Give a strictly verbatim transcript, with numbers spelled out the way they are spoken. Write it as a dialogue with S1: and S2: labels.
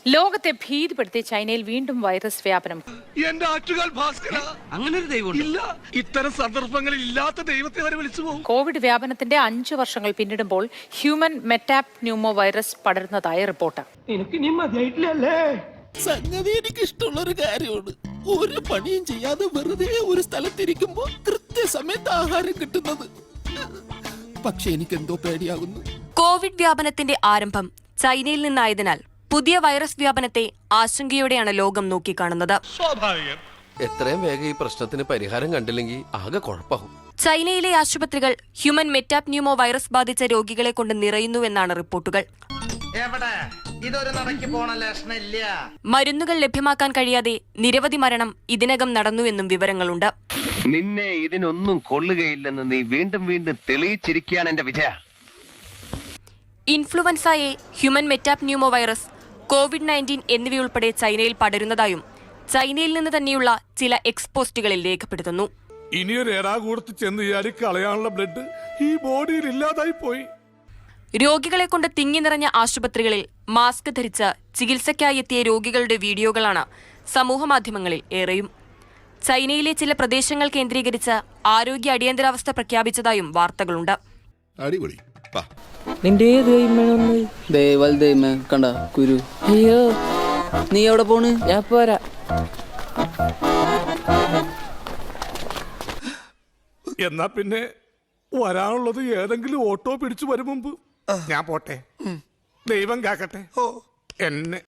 S1: ലോകത്തെ ഭീതിപ്പെടുത്തി ചൈനയിൽ വീണ്ടും വൈറസ് വ്യാപനം.
S2: എന്റെ ആറ്റുകാൽ ഭാസ്കര, അങ്ങനെ ഒരു ദൈവം ഇല്ല. ഇത്തരം സന്ദർഭങ്ങളിൽ ഇല്ലാത്ത ദൈവത്തെ വരെ വിളിച്ചു പോകും.
S1: കോവിഡ് വ്യാപനത്തിന്റെ അഞ്ചു വർഷങ്ങൾ പിന്നിടുമ്പോൾ ഹ്യൂമൻ മെറ്റാപ് ന്യൂമോ വൈറസ് പടരുന്നതായി റിപ്പോർട്ട്.
S3: സംഗതി എനിക്ക് ഇഷ്ടമുള്ള ഒരു കാര്യമാണ്. ഒരു പണിയും ചെയ്യാതെ വെറുതെ ഒരു സ്ഥലത്തിരിക്കുമ്പോ കൃത്യസമയത്ത് ആഹാരം കിട്ടുന്നത്. പക്ഷെ എനിക്ക് എന്തോ പേടിയാകുന്നു.
S4: കോവിഡ് വ്യാപനത്തിന്റെ ആരംഭം ചൈനയിൽ നിന്നായതിനാൽ പുതിയ വൈറസ് വ്യാപനത്തെ ആശങ്കയോടെയാണ് ലോകം നോക്കിക്കാണുന്നത്.
S2: സ്വാഭാവികം.
S5: എത്രയും വേഗം ഈ പ്രശ്നത്തിന് പരിഹാരം കണ്ടില്ലെങ്കിൽ ആകെ കുഴപ്പമാകും.
S4: ചൈനയിലെ ആശുപത്രികൾ ഹ്യൂമൻ മെറ്റാപ് ന്യൂമോ വൈറസ് ബാധിച്ച രോഗികളെ കൊണ്ട് നിറയുന്നുവെന്നാണ് റിപ്പോർട്ടുകൾ. മരുന്നുകൾ ലഭ്യമാക്കാൻ കഴിയാതെ നിരവധി മരണം ഇതിനകം നടന്നുവെന്നും വിവരങ്ങളുണ്ട്.
S6: നിന്നെ ഇതിനൊന്നും കൊള്ളുകയില്ലെന്ന് നീ വീണ്ടും വീണ്ടും തെളിയിച്ചിരിക്കുകയാണ് എന്റെ Vijaya.
S4: Influenza A, human metapneumovirus, COVID nineteen എന്നിവയുൾപ്പെടെ ചൈനയിൽ പടരുന്നതായും ചൈനയിൽ നിന്ന് തന്നെയുള്ള ചില എക്സ്പോസ്റ്റുകളിൽ രേഖപ്പെടുത്തുന്നു.
S2: ഇനിയൊരു എറാകൂടത്ത് ചെന്ന് ചാടി കളയാനുള്ള ബ്ലഡ് ഈ ബോഡിയിൽ ഇല്ലാതായി പോയി.
S4: രോഗികളെ കൊണ്ട് തിങ്ങി നിറഞ്ഞ ആശുപത്രികളിൽ മാസ്ക് ധരിച്ച് ചികിത്സയ്ക്കായി എത്തിയ രോഗികളുടെ വീഡിയോകളാണ് സമൂഹമാധ്യമങ്ങളിൽ ഏറെയും. ചൈനയിലെ ചില പ്രദേശങ്ങൾ കേന്ദ്രീകരിച്ച് ആരോഗ്യ അടിയന്തരാവസ്ഥ പ്രഖ്യാപിച്ചതായും വാർത്തകളുണ്ട്.
S7: കണ്ട കുരു. അയ്യോ, നീ എവിടെ പോണ്? ഞാൻ പോരാ.
S2: എന്നാ പിന്നെ വരാനുള്ളത് ഏതെങ്കിലും ഓട്ടോ പിടിച്ചു വരും മുമ്പ് ഞാൻ പോട്ടെ. ദൈവം കാക്കട്ടെ എന്നെ.